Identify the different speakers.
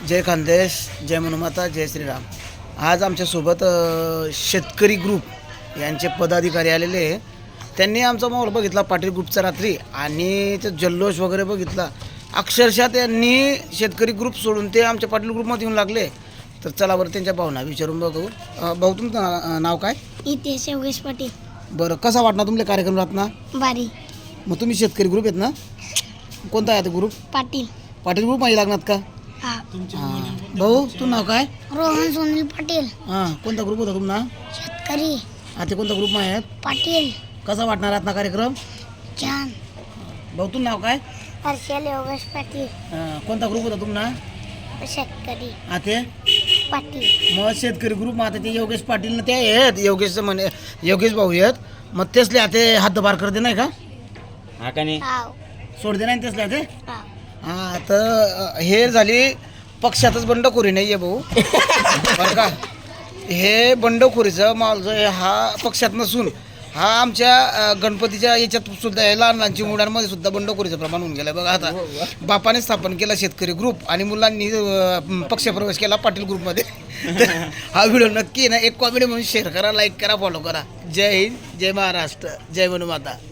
Speaker 1: जय खानदेश, जय मनुमाता, जय श्रीराम. आज आमच्यासोबत शेतकरी ग्रुप यांचे पदाधिकारी आलेले. त्यांनी आमचा माहोल बघितला पाटील ग्रुपचा रात्री आणि ते जल्लोष वगैरे बघितला. अक्षरशः त्यांनी शेतकरी ग्रुप सोडून ते आमच्या पाटील ग्रुपमध्ये येऊन लागले. तर चला बरं त्यांच्या भावना विचारून बघू. भाऊ तुमचं नाव काय?
Speaker 2: इतिहास योगेश पाटील.
Speaker 1: बरं, कसा वाटणार तुमले कार्यक्रम राहत ना?
Speaker 2: बारी.
Speaker 1: मग तुम्ही शेतकरी ग्रुप आहेत ना? कोणता आहे तो ग्रुप?
Speaker 2: पाटील.
Speaker 1: पाटील ग्रुप मध्ये लागणार का?
Speaker 2: हा.
Speaker 1: भाऊ तू नाव काय?
Speaker 2: रोहन सुनील पाटील.
Speaker 1: हां, कोणता ग्रुप होता तुमना?
Speaker 2: शेतकरी
Speaker 1: आता कोणता ग्रुप आहे?
Speaker 2: पाटील.
Speaker 1: कसा वाटणार आतना कार्यक्रम?
Speaker 2: छान.
Speaker 1: भाऊ तू नाव काय?
Speaker 2: हर्षल योगेश पाटील.
Speaker 1: कोणता ग्रुप होता तुमना?
Speaker 2: शेतकरी
Speaker 1: आते
Speaker 2: पाटील.
Speaker 1: मग शेतकरी ग्रुप मग आता ते योगेश पाटील ना ते आहेत, योगेश भाऊ आहेत. मग तेचले आता हातभार करते नाही का?
Speaker 3: हा का नाही?
Speaker 2: हाव.
Speaker 1: सोडते नाही तेचले ते.
Speaker 2: हाव.
Speaker 1: हां, तर हे झाली पक्षातच बंडखोरी नाही आहे भाऊ. बरं का, हे बंडखोरीचं माल हा पक्षात नसून हा आमच्या गणपतीच्या याच्यात सुद्धा आहे. लहान लहानची मुलांमध्ये सुद्धा बंडखोरीचं प्रमाण होऊन गेलं बघा. आता बापाने स्थापन केला शेतकरी ग्रुप आणि मुलांनी पक्षप्रवेश केला पाटील ग्रुपमध्ये. हा व्हिडिओ नक्की ना एक कॉमेडी म्हणून शेअर करा, लाईक करा, फॉलो करा. जय हिंद, जय महाराष्ट्र, जय मनुमाता.